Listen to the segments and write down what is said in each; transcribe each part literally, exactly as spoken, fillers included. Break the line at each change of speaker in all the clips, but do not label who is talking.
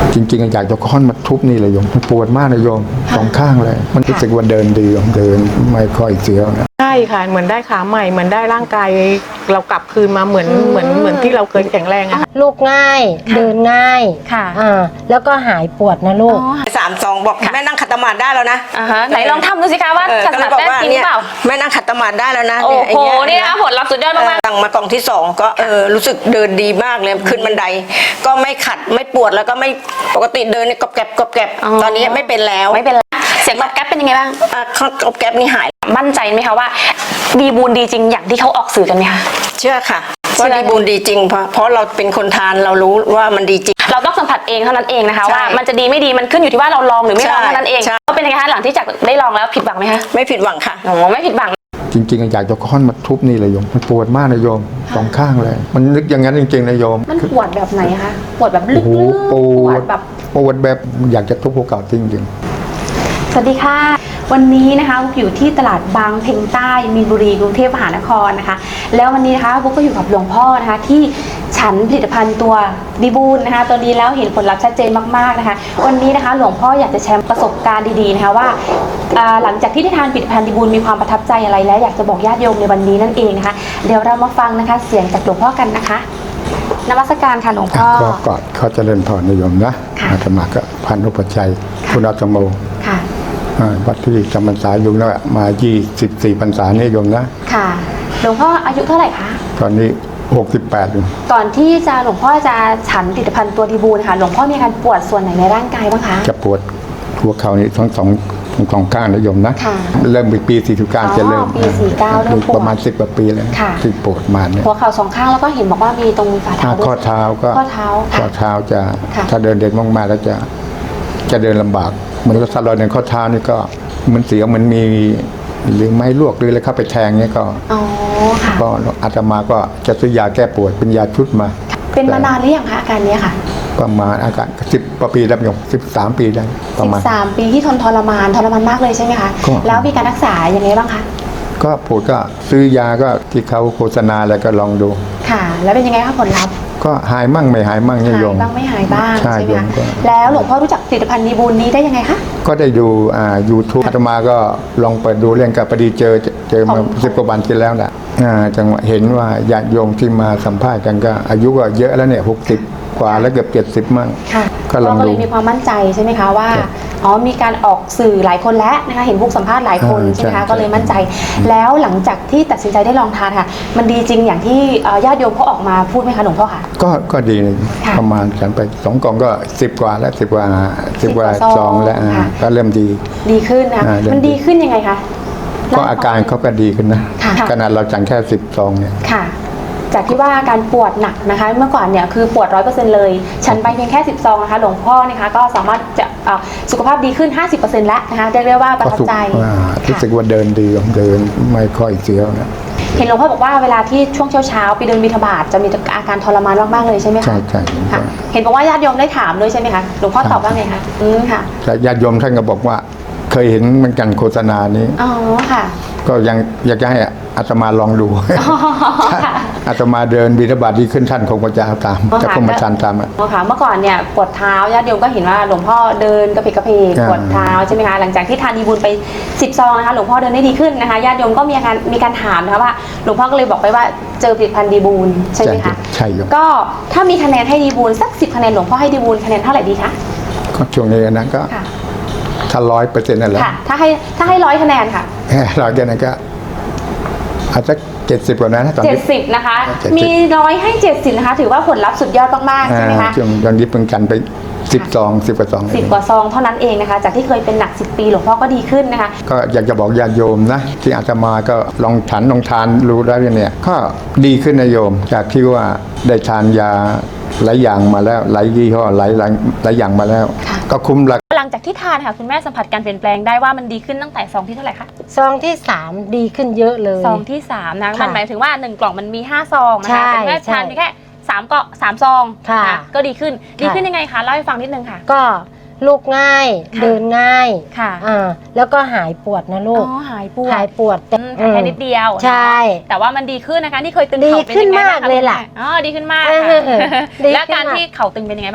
จริงๆอยากจะค้อนมาทุบนี่เลยโยมมันปวดมากนะโยมสองข้างเลยมันรู้สึกว่าเดินดีโยมเดินไม่ค่อยเสียวนะ
ใช่ค่ะเหมือนได้ขาใหม่เหมือนได้ร่างกายเรากลับคืนมาเหมือนเหมือนเหมือนที่เราเคยแข็งแรงอะค่ะ
ลูกง่ายเดินง่าย
ค่ะ
อ่าแล้วก็หายปวดนะลูก
สามสองบอกแม่นั่งขัดสมาธิได้แล้วนะ
อ่าฮะไหนลองทำดูสิคะว่าขัดสมาธิได้จริงหรือเปล่า
แม่นั่งขัดสมาธิได้แล้วนะ
โอ้โหนี่นะผลลัพธ์สุดยอดมาก
ๆสั่งมากล่องที่สองก็เออรู้สึกเดินดีมากเลยขึ้นบันไดก็ไม่ขัดไม่ปวดแล้วก็ไม่ปกติเดินเนี่ยกรอบแกรบกรอบแกรบตอนนี้ไม่เป็นแล้ว
ไม่เป็นแล้วเสียงตอบแก๊ปเป็นยังไงบ้าง
อ่ากรอบแกรบนี่หาย
มั่นใจไหมคะว่าดีบูนดีจริงอย่างที่เขาออกสื่อกันไหมคะ
เชื่อค่ะว่าดีบูนดีจริงเพราะเพราะเราเป็นคนทานเรารู้ว่ามันดีจริง
เราต้องสัมผัสเองเท่านั้นเองนะคะว่ามันจะดีไม่ดีมันขึ้นอยู่ที่ว่าเราลองหรือไม่ลองเท่านั้นเองก็เป็นยังไงคะหลังที่จากได้ลองแล้วผิดหวังไหมคะ
ไม่ผิดหวังค่ะ
อ๋อไม่ผิดหวัง
จริงๆอยากจะค้อนมาทุบนี่เลยโยมมันปวดมากนะโยมสองข้างเลยมันนึกอย่างนั้นจริงๆนะโยม
มันปวดแบบไหนคะปวดแบบลึกๆ
ปวด
แบบ
ปวดแบบอยากจะทุบภูเขาจริง
สวัสดีค่ะวันนี้นะคะบุ๊กอยู่ที่ตลาดบางเพ็งใต้มีนบุรีกรุงเทพมหานครนะคะแล้ววันนี้นะคะบุ๊กก็อยู่กับหลวงพ่อนะคะที่ฉันผลิตภัณฑ์ตัวดีบูนนะคะตัวนี้แล้วเห็นผลลัพธ์ชัดเจนมากๆนะคะวันนี้นะคะหลวงพ่ออยากจะแชร์ประสบการณ์ดีๆนะคะว่าหลังจากที่ได้ทานผลิตภัณฑ์ดีบูนมีความประทับใจอะไรและอยากจะบอกญาติโยมในวันนี้นั่นเองนะคะเดี๋ยวเรามาฟังนะคะเสียงจากหลวงพ่อกันนะคะนมัสการค่ะหลวงพ่อ
ก็กอดเขาจะเล่นพรนิยมนะอาตมาก็พันธุปชัยคุณอาตโม
ค่ะ
วัดที่จำพรรษาอยู่แล้วมายี่สิบสี่พรรษานี่โยมนะ
ค่ะหลวงพ่ออายุเท่าไหร่คะ
ตอนนี้หกสิบแปดอยู่
ก่อนที่จะหลวงพ่อจะฉันผลิตภัณฑ์ตัวดีบูนค่ะหลวงพ่อมีการปวดส่วนไหนในร่างกายบ้างคะ
จะปวดหัวเข่านี่ทั้งสองทั้งสองข้างนะโยมนะเริ่มปีสี่สิบเก้าจะเริ่ม
ปีสี่เก้าเริ่มปวด
ประมาณสิบกว่าปีแล้วที่ปวดมาเนี่ย
หัวเข่าสองข้างแล้วก็เห็นบอกว่ามีตรงฝ่าเท้าด้วย
ข้อเท้าก็
ข้อเท้า
ข้อเท้าจะถ้าเดินเด่นมากๆแล้วจะจะเดินลำบากเหมือนกับถ้าเราเดินข้อเท้านี่ก็มันเสียวมันมีหรือไม้ลวกหรืออะไรเข้าไปแทงเนี่ยก็
อ๋อค่ะ
ก็อาตมาก็จะซื้อยาแก้ปวดเป็นยาชุดมา
เป็นมานานหรือยังคะอาการนี้ค่ะ
ประมาณอาการสิบปีแล้วโยมสิบสามปีได้ประมาณ
สิบสามปีที่ทนทรมานทรมานมากเลยใช่ไหมคะแล้วมีการรักษาอย่างไรบ้างคะ
ก็ปวดก็ซื้อยาก็ที่เขาโฆษณาอะไรก็ลองดู
ค่ะแล้วเป็นยังไงคะผลลัพธ์
ก็หายมั่งไม่หายมั่งเนี่ยโยม
หายบ้างไม่หายบ้าง
ใช่ไหม
คะแล้วหลวงพ่อรู้จักผลิตภัณฑ์ดีบูนนี้ได้ยังไงคะ
ก็ได้ดูอ่ายูทูบอาตมาก็ลองเปิดดูเรื่องกับพอดีเจอเจอมาสิบกว่าวันที่แล้วแหละอ่าจังหวะเห็นว่าญาติโยมที่มาสัมภาษณ์กันก็อายุก็เยอะแล้วเนี่ยหกสิบกว่าแล้วเกือบเจ็ดสิบมั่ง
ก็ลองดูก็เลยมีความมั่นใจใช่ไหมคะว่าอ๋อมีการออกสื่อหลายคนแล้วนะคะเห็นพวกสัมภาษณ์หลายคนใช่ไหมคะก็เลยมั่นใจแล้วหลังจากที่ตัดสินใจได้ลองทานค่ะมันดีจริงอย่างที่ญาติโยมเขาออกมาพูดไหมคะหลวงพ่อค่ะ
ก็ก็ดีประมาณฉันไปสองกล่องก็สิบกว่าแล้วสิบกว่าสิบกว่าซองแล้วก็เริ่มดี
ดีขึ้นนะมันดีขึ้นยังไงคะ
ก็อาการเขาก็ดีขึ้นนะขนาดเราจังแค่สิบซองเนี่ย
ค่ะจากที่ว่าการปวดหนักนะคะเมื่อก่อนเนี่ยคือปวดร้อยเปอร์เซ็นต์เลยฉันไปเพียงแค่สิบซองนะคะหลวงพ่อนะคะก็สามารถจะสุขภาพดีขึ้น ห้าสิบเปอร์เซ็นต์ แล้วนะคะเรียกได้ว่าประทับใจ
รู้สึกว่าเดินดีเดินไม่ค่อยเสียวนะ
เห็นหลวงพ่อบอกว่าเวลาที่ช่วงเช้าๆไปเดินบิณฑบาตจะมีอาการทรมานมากๆเลยใช่ไหมคะ
ใช่ใช่
เห็นบอกว่าญาติโยมได้ถามด้วยใช่ไหมคะหลวงพ่อตอบว่าไงคะอืมค่ะ
ญาติโยมท่านก็บอกว่าเคยเห็นเหมือนกันโฆษณานี้
อ๋อค่ะ
ก็ยังอยากจะให้อาตมาลองดูอาตมาเดินบิณฑบาตที่ขึ้นท่านคงจะเอาตามจะคงมาชันตามอ่ะ
ค่ะเมื่อก่อนเนี่ยปวดเท้าญาติโยมก็เห็นว่าหลวงพ่อเดินกระเพกกระเพกปวดเท้าใช่ไหมคะหลังจากที่ทานดีบูลไปสิบซองนะคะหลวงพ่อเดินได้ดีขึ้นนะคะญาติโยมก็มีการมีการถามนะคะว่าหลวงพ่อก็เลยบอกไปว่าเจอผลิตภัณฑ์ดีบูลใช่ไหมคะ
ใช่
ก็ถ้ามีคะแนนให้ดีบูลสักสิบคะแนนหลวงพ่อให้ดีบูลคะแนนเท่าไหร่ดีคะ
ก็ช่วงนี้นะก็ถ้าร้อยเปอร์เซ็นต์นั่นแหละ
ถ้าให้ถ้าให้ร้อยคะแนนค่ะ
ร้อยคะแนนก็อาจจะเจ็ดสิบกว่านั้น
ตอนนี้เจ็ดสิบนะคะมีร้อยให้เจ็ดสิบนะคะถือว่าผลลัพธ์สุดยอดมากๆใช่ไหมคะ
ช่วงตอนนี้เพิ่งกันไปสิบซองสิบกว่าซอง
สิบกว่าซองเท่านั้นเองนะคะจากที่เคยเป็นหนักสิบปีหลวงพ่อก็ดีขึ้นนะคะ
ก็อยากจะบอกญาติโยมนะที่อาตมาก็ลองฉันลองทานรู้ได้เนี่ยก็ดีขึ้นนะโยมจากที่ว่าได้ทานยาหลายอย่างมาแล้วหลายยี่ห้อหลายหลายหลายอย่างมาแล้วก็คุ้มราคา
หลังจากที่ทานค่ะคุณแม่สัมผัสการเปลี่ยนแปลงได้ว่ามันดีขึ้นตั้งแต่ซองที่เท่าไหร่คะ
ซองที่สามดีขึ้นเยอะเลย
ซองที่สามนะมันหมายถึงว่าหนึ่งกล่องมันมีห้าซองนะคะแต่แม่ทานแค่สามเกาะสามซองค่ะก็ดีขึ้นดีขึ้นยังไงคะเล่าให้ฟังนิดนึงค่ะ
ก็ลูกง่ายเดินง่าย
ค่ะ
อ่าแล้วก็หายปวดนะลูก
อ๋อหายปวด
หายปวด
แต่แค่นิดเดียว
ใช่
แต่ว่ามันดีขึ้นนะคะที่เคยตึง
เข่าเป็นยังไงบ้างคะดีขึ้นมากเลยล่ะ
อ๋อดีขึ้นมากแล้วการที่เข่าตึงเป็นยังไงบ้างคะ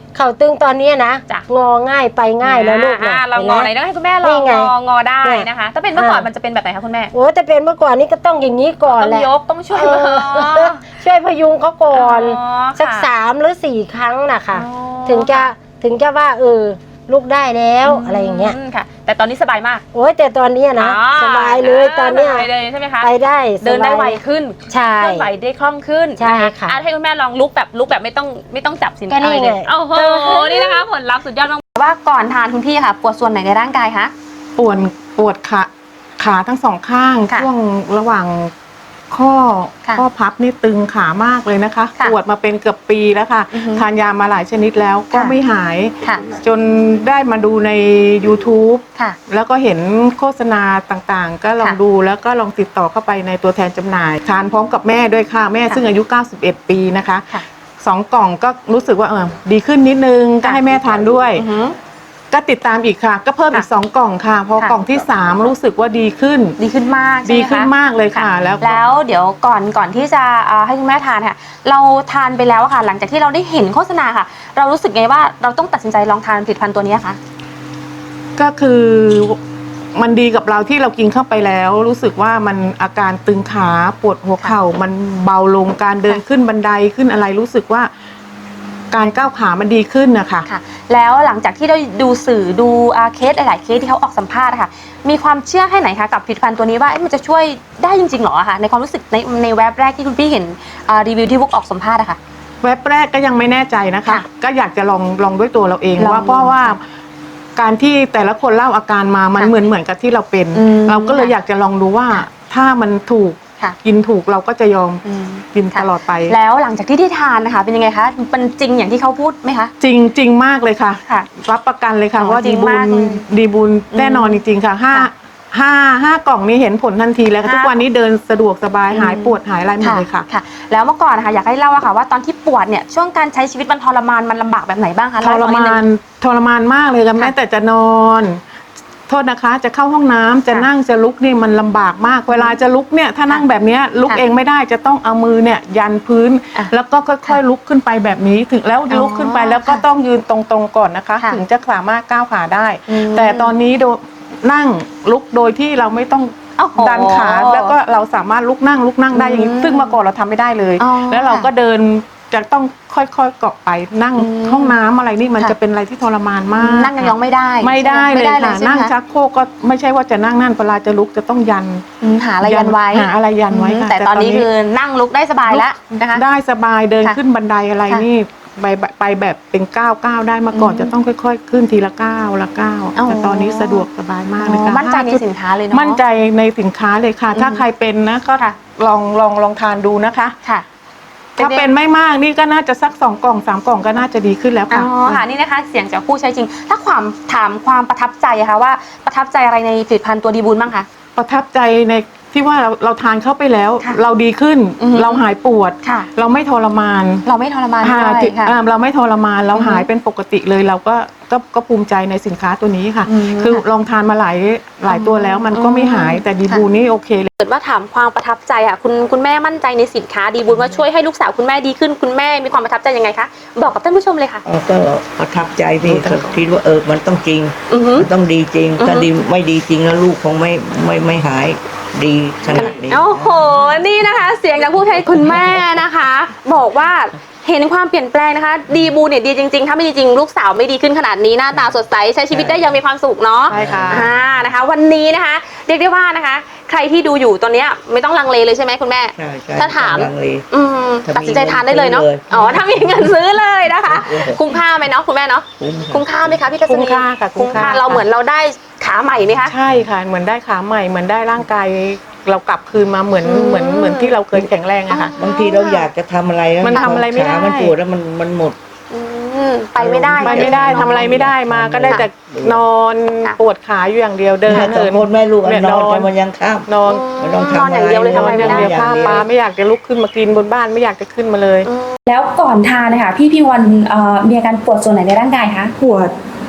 เข่าตึงตอนนี้นะ
จ้ะ
งอง่ายไปง่ายแล้วลูก
อ่า
นะ
เรางอไหน
ห็
ต้อง
หม
ให้คุณแม่ล
นี่
อง
ไง
งองอได้
เนี่ย
นะคะ ถ้าเป็นเมื่อก่อน
อ่ามั
มันจะเป็นแบบไหนคะคุณแม่
โอ้แต่เป็นเมื่อก่อนนี้ก็ต้องอย่างนี้ก่อน
ต้อง
แหละ
ยกต้องช่วย
เอ
มือ
อช่วยพยุงเขาก่อน
อ๋อ
สัก
ค่ะ
สามหรือสี่ครั้งนะคะ
อ๋อ
ถึงจะถึงจะว่าเออลูกได้แล้วอะไรอย่างเงี้ย
มค่ะ แต่ตอนนี้สบายมาก
โอ้ยแต่ตอนเนี้ยนะ
อ๋อ
สบายเลยตอนเนี้ย
สบายเลยใช่ไหมคะ
ไปได้
เดินได้
สบาย
ไวขึ้น
ใช่
เคลื่อนไหวได้คล่องขึ้น
ใช่
น
ค่ะ
อ่ให้คุณแม่ลองลุกแบบลุกแบบไม่ต้องไม่ต้องจับสิน
ก็นี่
อะไรเลย
ไง
โอ้โหนี่นะคะผลลัพธ์สุดยอดมากว่าก่อนทานคุณพี่ค่ะปวดส่วนไหนในร่างกายคะ
ปวดปวดขาขาทั้งสองข้าง
ค่ะ
ช่วงระหว่างข้อ
ค่ะ
ข้อพับนี่ตึงขามากเลยนะคะ
ค่ะ
ปวดมาเป็นเกือบปีแล้วค่ะ
อือฮึ
ทานยามาหลายชนิดแล้วก็
ค่ะ
ไม่หาย
ค่ะ
จนได้มาดูใน YouTube
ค่ะ
แล้วก็เห็นโฆษณาต่างๆ ก็ลอง
ค่ะ
ดูแล้วก็ลองติดต่อเข้าไปในตัวแทนจำหน่าย ทานพร้อมกับแม่ด้วยค่ะแม่
ค่ะ
ซึ่งอายุ เก้าสิบเอ็ด ปีนะคะ
ค่ะ
สองกล่องก็รู้สึกว่าเออดีขึ้นนิดนึงก็
ค่ะ
ให้แม่ทานด้วย
อือหือ
ก็ติดตามอีกค่ะ ก็เพิ่มอีก
ค่ะ
สองกล่องค่ะ พอ
ค่ะ
กล่องที่สามรู้สึกว่าดีขึ้น
ดีขึ้นมากใช่ไหมคะ
ดีขึ้นมากเลยค่ะแล้วก็
แล้วเดี๋ยวก่อนก่อนที่จะเอ่อให้คุณแม่ทานค่ะ เราทานไปแล้วอะค่ะ หลังจากที่เราได้เห็นโฆษณาค่ะ เรารู้สึกไงว่าเราต้องตัดสินใจลองทานผลิตภัณฑ์ตัวนี้คะ
ก็คือมันดีกับเราที่เรากินเข้าไปแล้ว รู้สึกว่ามันอาการตึงขาปวดหัวเข่ามันเบาลงการเดินขึ้นบันไดขึ้นอะไรรู้สึกว่า การก้าวขามันดีขึ้นนะคะ
ค่ะ แล้วหลังจากที่ได้ดูสื่อดูอ่าเคสหลายๆเคสที่เขาออกสัมภาษณ์อะค่ะ มีความเชื่อแค่ไหนคะกับผลิตภัณฑ์ตัวนี้ว่าเอ๊ะมันจะช่วยได้จริงๆหรออะคะในความรู้สึกในในแว็บแรกที่คุณพี่เห็นอ่ารีวิวที่พวกออกสัมภาษณ์อะค่ะ
เว็บแรกก็ยังไม่แน่ใจนะคะ
ค่ะ
ก็อยากจะลองลองด้วยตัวเราเอง
ลอง
ว่าเพราะว่าการที่แต่ละคนเล่าอาการมามัน
ค่ะ
เหมือนเหมือนกับที่เราเป็น
อืม
เราก็เลยอยากจะลองดูว่าถ้ามันถูก
ค่ะ
กินถูกเราก็จะยอม
อืม
กิน
ค่ะ
ตลอดไป
แล้วหลังจากที่ได้ทานนะคะเป็นยังไงคะมันจริงอย่างที่เขาพูดไหมคะ
จริงจริงมากเลยค่ะ
ค่ะ
รับประกันเลยค่ะ
อ๋อ
ว่า
จริ
ดี
ง
บุ
มาก
ญ
เลย
ดีบุญแน่นอนจริงๆค่ะห้า
ค่ะ
ห้าห้ากล่องนี้เห็นผลทันทีแล้วค่ะ
ห้า
ทุกวันนี้เดินสะดวกสบาย
อืม
หายปวดหายอะไรหมดเลยค่ะ
ค่ะ แล้วเมื่อก่อนนะคะอยากให้เล่าอะค่ะว่าตอนที่ปวดเนี่ยช่วงการใช้ชีวิตมันทรมานมันลำบากแบบไหนบ้างคะ
ท
เล่
ร
ให้ฟังด
มาง นทรมานมากเลยค่ะแม้แต่จะนอน โทษนะคะ จะเข้าห้องน้ำจะ
ค่ะ
นั่งจะลุกนี่มันลำบากมาก เวลาจะลุกเนี่ยถ้านั่งแบบเนี้ยลุก
ค่ะ
เองไม่ได้จะต้องเอามือเนี่ยยันพื้น
อ่ะ
แล้วก็ค่อยๆลุกขึ้นไปแบบนี้ถึงแล้ว
อ๋อ
ลุกขึ้นไปแล้วก็
ค่ะ
ต้องยืนตรงๆก่อนนะคะ
ค่ะ
ถึงจะสามารถก้าวขาได้
อืม
แต่ตอนนี้โดนั่งลุกโดยที่เราไม่ต้อง
โอ้โห
ดันขาแล้วก็เราสามารถลุกนั่งลุกนั่งได้อย่างนี้
อืม
ซึ่งเมื่อก่อนเราทำไม่ได้เลย
อ๋อ
แล้วเราก็เดินจะต้องค่อยๆเกาะไปนั่ง
อืม
ห้องน้ำอะไรนี่มัน
ค่ะ
จะเป็นอะไรที่ทรมานมาก
นั่งยองๆไม่ได้
ไม่ได้
ใช่ห
เลยค่ะ
ใช่ไหม
นั่งชักโครกก็ไม่ใช่ว่าจะนั่งนั่นเวลาจะลุกจะต้องยัน
อืมหาอะไรยันไว้
หาอะไรยันไว้ค่ะ
แต่ตอนนี้คือนั่งลุกได้สบายแล้วนะคะ
ได้สบายเดิน
ค่ะ
ขึ้นบันไดอะไร
ค่ะ
นี่ไปไปแบบเป็นก้าวก้าวได้มาก่อน
อืม
จะต้องค่อย ๆ ขึ้นทีละก้าวละก้าว
อ๋อ
แต่ตอนนี้สะดวกสบายมากเลยค่ะ
มั่นใจใน
ห้าจุด
สินค้าเลยเนาะ
มั่นใจในสินค้าเลยค่ะ ถ้า
อืม
ใครเป็นนะก็
ค่ะ
ลองลองลองทานดูนะคะ
ค่ะ
ถ้าเป็นไม่มากนี่ก็น่าจะสักสองกล่องสามกล่องก็น่าจะดีขึ้นแล้ว
อ๋
ค่ะ
อค่ะนี่นะคะเสียงจากผู้ใช้จริง ถ้าความถามความประทับใจอะคะว่าประทับใจอะไรในผลิตภัณฑ์ตัวดีบูลบ้างคะ
ประทับใจในที่ว่าเราเราทานเข้าไปแล้ว
ค่ะ
เราดีขึ้น
อือฮึ
เราหายปวด
ค่ะ
เราไม่ทรมาน
เราไม่ทรมาน
อ่า
ด้วย
ที่
ค่ะ
อ่าเราไม่ทรมานเรา
อือฮึ
หายเป็นปกติเลยเราก็ก็ก็ภูมิใจในสินค้าตัวนี้ค่ะ
อืม
คือลองทานมาหลายหลายตัวแล้วมันก็ไม่หายแต่ดี
ค่ะ
บูนี่โอเคเลย
เกิดว่าถามความประทับใจอะคุณคุณแม่มั่นใจในสินค้าดีบุญว่าช่วยให้ลูกสาวคุณแม่ดีขึ้นคุณแม่มีความประทับใจยังไงคะบอกกับท่านผู้ชมเลยค่ะ
อ๋อก็ประทับใจพี่ก็คิดว่าเออมันต้องจริง
อือหือ
มันต้องดีจริง
อือฮึ
ถ้าดีไม่ดีจริงแล้วลูกคงไม่ไม่ไม่หายดีขนาดนี้
โอ้โห นี่นะคะ เสียงจากผู้ใช้คุณแม่นะคะ บอกว่าเห็นความเปลี่ยนแปลงนะคะ ดีบูเนี่ยดีจริงๆ ถ้าไม่ดีจริงลูกสาวไม่ดีขึ้นขนาดนี้หน้าตาสดใสใช้ชีวิตได้อยังมีความสุขเนาะ
ใช่ค่ะ
อ่านะคะ วันนี้นะคะ เรียกได้ว่านะคะ ใครที่ดูอยู่ตอนเนี้ยไม่ต้องลังเลเลยใช่ไหมคุณแม่
ใช่ใช่
ถ้าถาม
ลังเล
อืม
ถ้ามี
ตัดสินใจทานได้เลยเนาะ
เงินซื้อเลย
อ๋อถ้ามีเงินซื้อเลยนะคะ
เออ
คุ้มค่าไหมเนาะคุณแม่เนาะ
คุ้ม
คุ้มค่าไหมคะพี่ทัศนี
คุ้มค่าค่ะคุ้
คุ้ม
ม
ค่า
ค่า
เราเหมือนเราได้ขาใหม่ไหมคะ
ใช่ค่ะเหมือนได้ขาใหม่เหมือนได้ร่างกายเรากลับคืนมาเหมือน
อืม
เหมือนเหมือนที่เราเคยแข็งแรงอะค่ะ
บางทีเราอยากจะทำอะไรแล้ว
มันทำอะไรไม่ได้
ขามันปวดแล้วมันมันหมด
อืมไปไม่ได้
ไปไม่ได้ทำอะไรไม่ได้มาก็ได้แต่นอน
ค่ะ
ปวดขาอยู่อย่างเดียวเดิน
สอง
เหิน
คนแม่ลูกอะ
เนี่ย
นอน
นอน
กันมันยังข้าม
นอน
ไม่ต้องทำ
นอนอย่างเดียวเลย
อะไร
ทำอะไร
อ
ไม่
ย่าง
ได้
เดียวข้าวปลาไม่อยากจะลุกขึ้นมากินบนบ้านไม่อยากจะขึ้นมาเลย
แล้วก่อนทานนะคะพี่พี่วันเอ่อมีอาการปวดส่วนไหนในร่างกายคะ
ปวด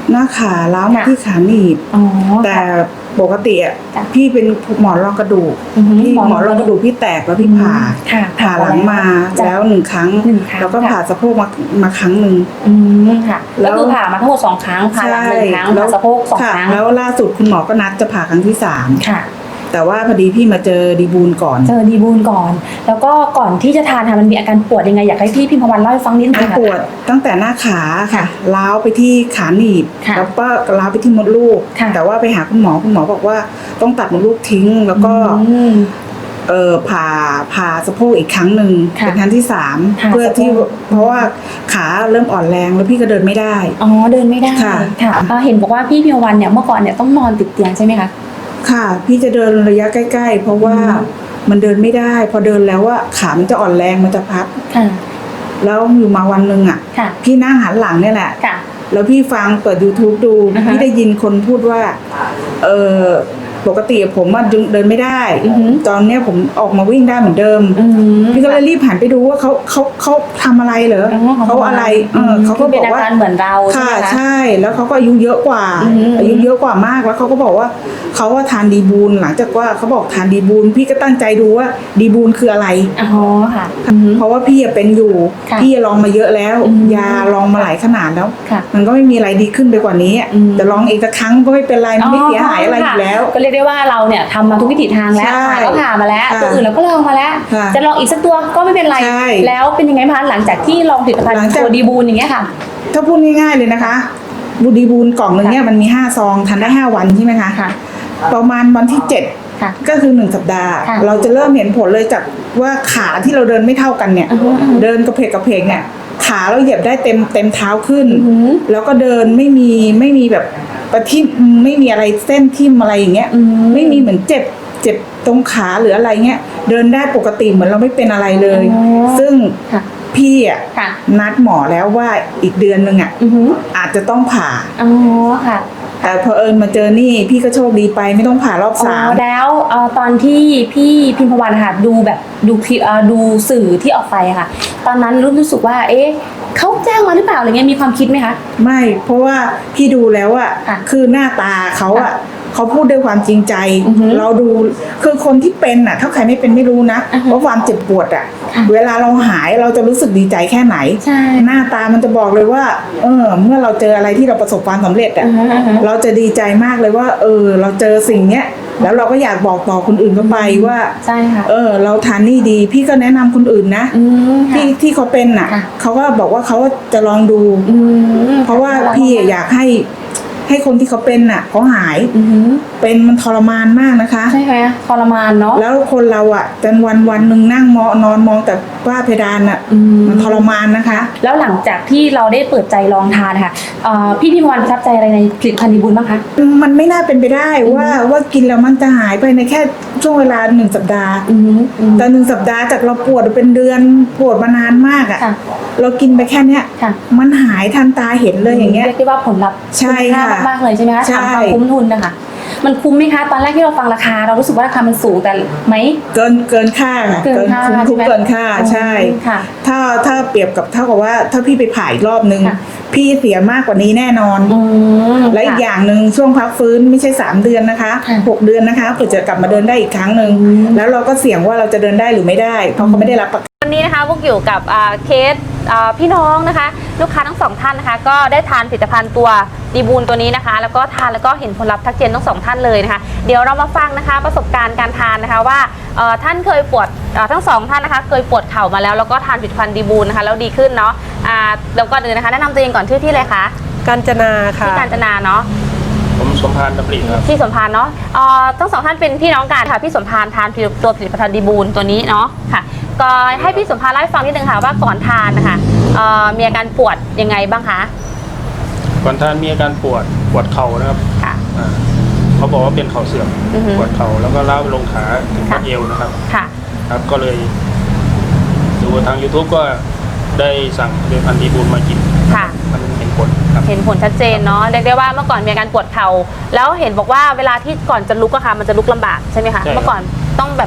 หน้าขาล้าวมา
ค่ะ
ที่ขาหนีบ
อ๋อ
แต่ปกติอ่ะ
จ้ะ
พี่เป็นหมอนรองกระดูก
อือหือ
พี่
หมอน
หมอนรองกระดูกพี่แตกแล้วพี่ผ่า
ค่ะ
ผ่าหลังมา
จ้ะ
แล้วหนึ่งครั้ง
หนึ่งครั้ง
แล้วก็
ค่ะ
ผ่าสะโพกมามาครั้งหนึ่ง
อืมค่ะ
แล้
ก็
ว
คือผ่ามาทั้งหมดสองครั้งผ่าหลังหนึ่งครั้ง
แล้
ผ่าวสะโพกสอง
ค่ะ
ครั้ง
แล้วล่าสุดคุณหมอก็นัดจะผ่าครั้งที่สาม
ค่ะ
แต่ว่าพอดีพี่มาเจอดีบูลก่อน
เจอดีบูลก่อน แล้วก็ก่อนที่จะทานค่ะมันมีอาการปวดยังไงอยากให้พี่พิมพวันเล่าให้ฟังนิดนึ
มัน
งค่ะ
ปวดตั้งแต่หน้าขาค่ะ
ค่ะ
ล้าวไปที่ขาหนีบ
ค่ะ
แล้วก็ล้าวไปที่มดลูก
ค่ะ
แต่ว่าไปหาคุณหมอคุณหมอบอกว่าต้องตัดมดลูกทิ้ง แล้วก็
อืม
เออผ่าผ่าสะโพกอีกครั้งหนึ่ง
ค่ะ
เป็นครั้งที่สาม
ผ่า
เพื่อที่
สะโพก
เพราะว่าขาเริ่มอ่อนแรงแล้วพี่ก็เดินไม่ได้
อ๋อเดินไม่ได้
ค่ะ
ค่ะอ่าเห็นบอกว่าพี่พิมพวันเนี่ยเมื่อก่อนเนี่ยต้องนอนติดเตียงใช่ไหมคะ
ค่ะ พี่จะเดินระยะใกล้ๆ เพราะว่า
อืม
มันเดินไม่ได้ พอเดินแล้วว่าขามันจะอ่อนแรงมันจะพับ
ค่ะ
แล้วอยู่มาวันหนึ่งอ่ะ
ค่ะ
พี่นั่งหันหลังเนี่ยแหละ
ค่ะ
แล้วพี่ฟังเปิด YouTube ดู
อ่าฮะ
พี่ได้ยินคนพูดว่า เออปกติผมอะเดินไม่ได้
อือหือ
ตอนเนี้ยผมออกมาวิ่งได้เหมือนเดิม
อืม
พี่ก็เลยรีบหันไปดูว่าเขาเขาเขาทำอะไรเหรอ
อ๋อ
เขาอะไรเออเขาก็
คื
บอก
เป็น
ว่า
อาการเหมือนเราใช่
ค่ะ
ไหมคะ
ใช่แล้วเขาก็อายุเยอะกว่า
อืม
อายุเยอะกว่ามากแล้วเขาก็บอกว่าเขาว่าทานดีบูลหลังจากว่าเขาบอกทานดีบูลพี่ก็ตั้งใจดูว่าดีบูลคืออะไร
อ๋อค่ะ
เพราะว่าพี่อะเป็นอยู่
ค่ะ
พี่ลองมาเยอะแล้ว
อืม
ยาลองมาหลายขนาดแล้ว
ค่ะ
มันก็ไม่มีอะไรดีขึ้นไปกว่านี้อะ
อืม
แต่ลองอีกสักครั้งก็ไม่เป็นไรมันไม่เสียหายอะไรอยู่แล้ว
ก็เรียกได้ว่าเราเนี่ยทำมาทุกวิถีทางแล้ว
ใช่
ผ่าก็ผ่ามาแล้ว
ค่ะ
ตัวอื่นเราก็ลองมาแล้ว
ค่ะ
จะลองอีกสักตัวก็ไม่เป็นไร
ใช่
แล้วเป็นยังไงบ้างคะหลังจากที่ลองผลิตภัณฑ์
หลังจาก
ตัวดีบูลอย่างเงี้ยค่ะ
ถ้าพูดง่ายๆเลยนะคะบูดีบูลกล่องหนึ่งเนี่ยมันมีห้าซองทานได้ห้าวันใช่ไหมคะ
ค่ะ
ประมาณวันที่เจ็ด
ค่ะ
ก็คือหนึ่งสัปดาห์
ค่ะ
เราจะเริ่มเห็นผลเลยจากว่าขาที่เราเดินไม่เท่ากันเนี่ย
อือฮึอือฮึ
เดินกระเพกกระเพกเนี่ยขาเราเหยียบได้เต็มเต็มเท้าขึ้น
อือฮึ
แล้วก็เดินไม่มีไม่มีแบบประทิ่มไม่มีอะไรเส้นทิ่มอะไรอย่างเงี้ย
อืม
ไม่มีเหมือนเจ็บเจ็บตรงขาหรืออะไรเงี้ยเดินได้ปกติเหมือนเราไม่เป็นอะไรเลย
อ๋อ
ซึ่ง
ค่ะ
พี่อ่ะ
ค่ะ
นัดหมอแล้วว่าอีกเดือนหนึ่งอ่ะ
อือหือ
อาจจะต้องผ่า
อ๋อค่ะ
แต่พอเอิญมาเจอนี่พี่ก็โชคดีไปไม่ต้องผ่ารอบ
อ๋อ
สาม
แล้วเอ่อตอนที่พี่พิมพวันค่ะดูแบบดูคลิปเอ่อดูสื่อที่ออกไปอะค่ะ ตอนนั้นรู้รู้สึกว่า เอ๊ะเขาแจ้งมาหรือเปล่าอะไรเงี้ยมีความคิดไหมคะ
ไม่ เพราะว่าพี่ดูแล้วอะ
ค่ะ
คือหน้าตาเขาอะ
ค่ะ
เขาพูดด้วยความจริงใจ
อือฮึ
เราดูคือคนที่เป็นอะถ้าใครไม่เป็นไม่รู้นะ
อือฮึ
ว่าความเจ็บปวดอะ
ค่ะ
เวลาเราหายเราจะรู้สึกดีใจแค่ไหน
ใช่
หน้าตามันจะบอกเลยว่า เออ เมื่อเราเจออะไรที่เราประสบความสำเร็จอะ
อือฮึอือฮึ
เราจะดีใจมากเลยว่า เออ เราเจอสิ่งเนี้ยแล้วเราก็อยากบอกต่อคนอื่นเข้าไปว่า
ใช่ค่ะ
เออ เราทานนี่ดี พี่ก็แนะนำคนอื่นนะ
อืมค่ะ
ที่ที่เขาเป็นน่ะ
ค่ะ
เขาก็บอกว่าเขาจะลองดู
อืม
เพราะว่าพี่อยากให้ให้คนที่เขาเป็นน่ะเขาหาย
อือหือ
เป็นมันทรมานมากนะคะ
ใช่ไหมทรมานเนาะ
แล้วคนเราอ่ะจนวันวันหนึ่งนั่งมอนอนมองแต่ฝ้าเพดานอ่ะ
อืม
มันทรมานนะคะ
แล้วหลังจากที่เราได้เปิดใจลองทานค่ะเอ่อพี่พิมพ์วันประทับใจอะไรในผลิตภัณฑ์ดีบุญบ้างคะ
มันไม่น่าเป็นไปได้ว่าว่ากินแล้วมันจะหายไปในแค่ช่วงเวลาหนึ่งสัปดาห์
อือหืออือหือ
แต่หนึ่งสัปดาห์จากเราปวดเป็นเดือนปวดมานานมากอ่ะ
ค่ะ
เรากินไปแค่เนี้ย
ค่ะ
มันหายทันตาเห็นเลยอย่างเงี้ย
เรียกได้ว่าผลลัพธ์
ใช่
คุ้มค่า
ค่ะ
มากๆเลยใช่ไหมคะ
ใช่
ถามความคุ้มทุนนะคะ มันคุ้มไหมคะ ตอนแรกที่เราฟังราคาเรารู้สึกว่าราคามันสูงแต่ไหม
เกินเกินค่าค่ะ
เกินค่า
คุ้มคุ้ม
ใช่ไหม
เกินค่าใช่
ค่ะ
ถ้าถ้าเปรียบกับเท่ากับว่าถ้าพี่ไปผ่าอีกรอบนึง
ค่ะ
พี่เสียมากกว่านี้แน่นอน
อืม
และอีกอย่างหนึ่งช่วงพักฟื้นไม่ใช่สามเดือนนะคะ
ค่ะ
หกเดือนนะคะเพื่อจะกลับมาเดินได้อีกครั้งหนึ่ง
อืม
แล้วเราก็เสี่ยงว่าเราจะเดินได้หรือไม่ได้ เพราะเขาไม่ได้รับประกัน
วันนี้นะคะพวกอยู่กับอ่าเคสอ่าพี่น้องนะคะ ลูกค้าทั้งสองท่านนะคะ ก็ได้ทานผลิตภัณฑ์ตัวดีบูลตัวนี้นะคะ แล้วก็ทานแล้วก็เห็นผลลัพธ์ทักเจนทั้งสองท่านเลยนะคะ เดี๋ยวเรามาฟังนะคะประสบการณ์การทานนะคะว่าเอ่อท่านเคยปวดเอ่อทั้งสองท่านนะคะเคยปวดเข่ามาแล้วแล้วก็ทานผลิตภัณฑ์ดีบูลนะคะแล้วดีขึ้นเนาะอ่าแล้วก็เดี๋ยวนะคะแนะนำตัวเองก่อนชื่อที่เลยคะ
กาญจนาค่ะ
ที่การจนาเนาะ
ผมสมพานดำริครับ
พี่สมพานเนาะเอ่อทั้งสองท่านเป็นพี่น้องกันค่ะพี่สมพานทานตัวผลิตภัณฑ์ดีบูลตัวนี้เนาะค่ะก็ให้พี่สมพานเล่าให้ฟังนิดนึงค่ะว่าก่อนทานนะคะเอ่อมีอาการปวดยังไงบ้างคะ
ก่อนท่านมีอาการปวดปวดเข่านะครับ
ค่ะ
อ่าเขาบอกว่าเป็นเข่าเสื่อม
อือฮึ
ปวดเข่าแล้วก็ล้าวไปลงขาถึงบัดเอวนะครับ
ค่ะ
ครับก็เลยดูทาง YouTube ก็ได้สั่งผลิตภัณฑ์ดีบูลมากิน
ค่ะ
มันเห็นผลครับ
เห็นผลชัดเจนเนาะเรียกได้ว่าเมื่อก่อนมีอาการปวดเข่าแล้วเห็นบอกว่าเวลาที่ก่อนจะลุกอะค่ะมันจะลุกลำบากใช่ไหมคะ
ใช่ครับ
เมื่อก่อนต้องแบบ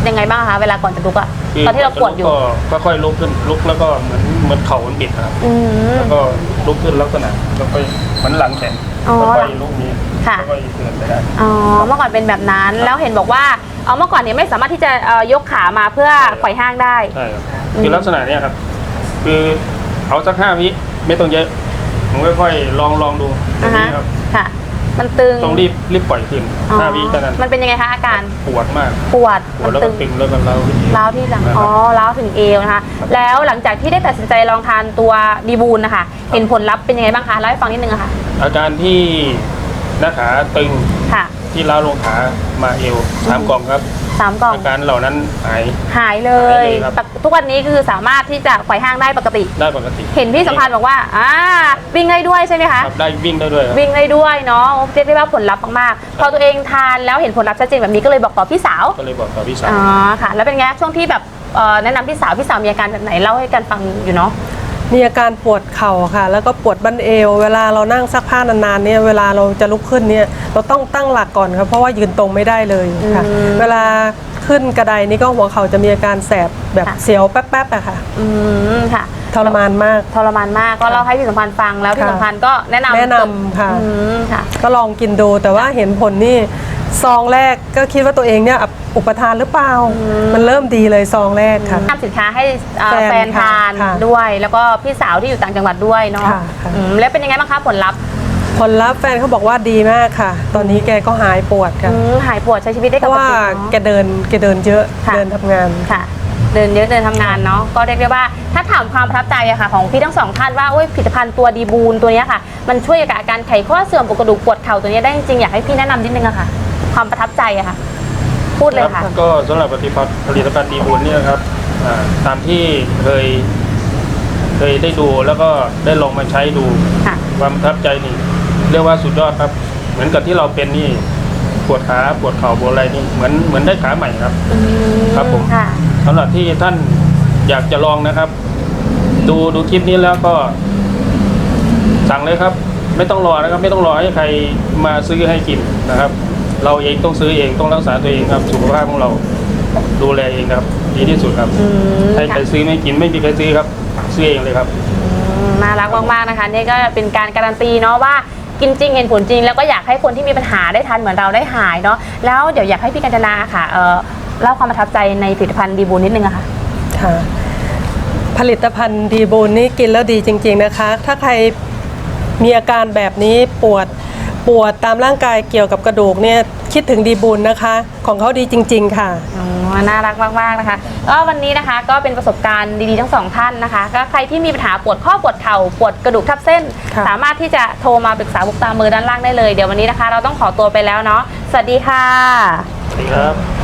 ยังไงบ้างคะเวลาก่อนจะลุกอะ
คื
ตอนที่เราปวดอยู่
ก็ค่อยๆลุกขึ้นลุกแล้วก็เหมือนเหมือนเข่ามันบิดนะครับ
อืม
แล้วก็ลุกขึ้นลักษณะแล้วก็เหมือนหลังแข็ง
อ๋อ
แล้วก็ลุกนี้
ค่ะ
แล้วก็เดินไปได้
อ๋อเมื่อก่อนเป็นแบบนั้นแล้วเห็นบอกว่าเอาเมื่อก่อนเนี่ยไม่สามารถที่จะเอ่อยกขามาเพื่อไขว่ห้างได้
ใช่ครับคือลักษณะเนี้ยครับ คือเอาสักห้าวิไม่ต้องเยอะผมค่อยๆลองลองดูตร
อ่าง ฮะ
นี้ครับ
ค่ะ มันตึง
ต้องรีบรีบปล่อยขึ้น
อ๋อ
ห้าวิเท่านั้น
มันเป็นยังไงคะอาการ
ปวดมาก
ปวด
ปว
มั
ด
น
แล้ว
ตึ
ก็
ง
ตึงแล้วก็เล้าขึ้น
ร้าวที่หลัง
นะครับ
อ๋อร้าวถึงเอวนะคะ แล้วหลังจากที่ได้ตัดสินใจลองทานตัวดีบูลนะคะเห็นผลลัพธ์เป็นยังไงบ้างคะเล่าให้ฟังนิดนึงอะค่ะ
อาการที่หน้าขาตึง
ค่ะ
ที่เล้าลงขามาเอวสามกล่องครับ
สามกล่อง
อาการเหล่านั้นหาย
หายเล
หาย ยเลยครับ
ทุกวันนี้คือสามารถที่จะไขว่ห้างได้ปกติ
ได้ปกติ
เห็นพี่สัมพันธ์บอกว่าอ่าวิ่งได้ด้วยใช่ไหมคะ
ครับได้วิ่งได้ด้วยครับ
วิ่งได้ด้วยเนาะเรียกได้ว่าผลลัพธ์มากๆพอตัวเองทานแล้วเห็นผลลัพธ์ชัดเจนแบบนี้ก็เลยบอกต่อพี่สาว
ก็เลยบอกกับพี่สาว
อ๋อค่ะ แล้วเป็นไงช่วงที่แบบเอ่อแนะนำพี่สาวพี่สาวมีอาการแบบไหนเล่าให้กันฟังอยู่เนาะ
มีอาการปวดเข่าค่ะ แล้วก็ปวดบั้นเอว เวลาเรานั่งซักผ้านานๆเนี่ยเวลาเราจะลุกขึ้นเนี่ยเราต้องตั้งหลักก่อนครับเพราะว่ายืนตรงไม่ได้เลยค่ะ
อืม
เวลาขึ้นกระไดนี่ก็หัวเข่าจะมีอาการแสบแบบ
ค่ะ
เสียวแป๊บๆอะค่ะ
อืมค่ะ
ทรมานมาก
ทรมานมากก็เล่าให้พี่สัมพันธ์ฟังแล้วพี่
ค่ะ
สัมพันธ์ก็แนะนำ
แนะนำค่ะ
อืมค่ะ
ก็ลองกินดูแต่ว่าเห็นผลนี่ซองแรกก็คิดว่าตัวเองเนี่ยอุปทานหรือเปล่า มันเริ่มดีเลยซองแรกค่ะ
นำสินค้าให้เอ่อ
แฟน
แฟนทาน
ค่ะ
ด้วย แล้วก็พี่สาวที่อยู่ต่างจังหวัดด้วยเนาะ
ค่ะค่ะ
อืมแล้วเป็นยังไงบ้างคะผลลัพธ์
ผลลัพธ์แฟนเขาบอกว่าดีมากค่ะ ตอนนี้แกก็หายปวดค่ะ
อืมหายปวดใช้ชีวิตได้
เพ
ป
ราะ
ก
ว่า
ติ
แก
เนาะ
เดินแกเดินเยอะ
ค่ะ
เดินทำงาน
ค่ะ เดินเยอะเดินทำงานเนาะก็เรียกได้ว่าถ้าถามความประทับใจอะค่ะ ของพี่ทั้งสองท่านว่าโอ้ยผลิตภัณฑ์ตัวดีบูลตัวเนี้ยค่ะ มันช่วยกับอาการไขข้อเสื่อมปวดกระดูกปวดเข่าตัวเนี้ยได้จริงๆอยากให้พี่แนะนำนิดนึงอะค่ะ ความประทับใจอะค่ะ พูดเลยค่ะ
รับก็สำหรับผลิตภัณฑ์ผลิตภัณฑ์ดีบุญเนี่ยนะครับอ่าตามที่เคย เคยได้ดูแล้วก็ได้ลองมาใช้ดู
ค่ะ
ความประทับใจนี่เรียกว่าสุดยอดครับ เหมือนกับที่เราเป็นนี่ปวดขาปวดเข่าปวดอะไรนี่เหมือนเหมือนได้ขาใหม่ครับ
อืม
ครับผม
ค่ะ
สำหรับที่ท่านอยากจะลองนะครับ ดูดูคลิปนี้แล้วก็สั่งเลยครับ ไม่ต้องรอนะครับ ไม่ต้องรอให้ใครมาซื้อให้กินนะครับ เราเองต้องซื้อเองต้องรักษาตัวเองครับสุขภาพของเราดูแลเองครับ ดีที่สุดครับ
อืม
ให้ใคร
ค่ะ
ซื้อไม่กินไม่มีใครซื้อครับซื้อเองเลยครับ
อืมน่ารักมากๆนะคะนี่ก็เป็นการการันตีเนาะว่ากินจริงเห็นผลจริง แล้วก็อยากให้คนที่มีปัญหาได้ทานเหมือนเราได้หายเนาะแล้วเดี๋ยวอยากให้พี่กัญจนาค่ะเอ่อเล่าความประทับใจในผลิตภัณฑ์ดีบูลนิดนึงอะค่ะ
ค่ะผลิตภัณฑ์ดีบูลนี่กินแล้วดีจริงๆนะคะ ถ้าใครมีอาการแบบนี้ปวดปวดตามร่างกายเกี่ยวกับกระดูกเนี่ยคิดถึงดีบูลนะคะ ของเขาดีจริง ๆ ค่ะ
อ๋อน่ารักมากๆนะคะก็วันนี้นะคะก็เป็นประสบการณ์ดีๆทั้งสองท่านนะคะก็ใครที่มีปัญหาปวดข้อปวดเข่าปวดกระดูกทับเส้น
ค่ะ
สามารถที่จะโทรมาปรึกษาบุกตามมือด้านล่างได้เลยเดี๋ยววันนี้นะคะ เราต้องขอตัวไปแล้วเนาะสวัสดีค่ะ
สวัสดีครับ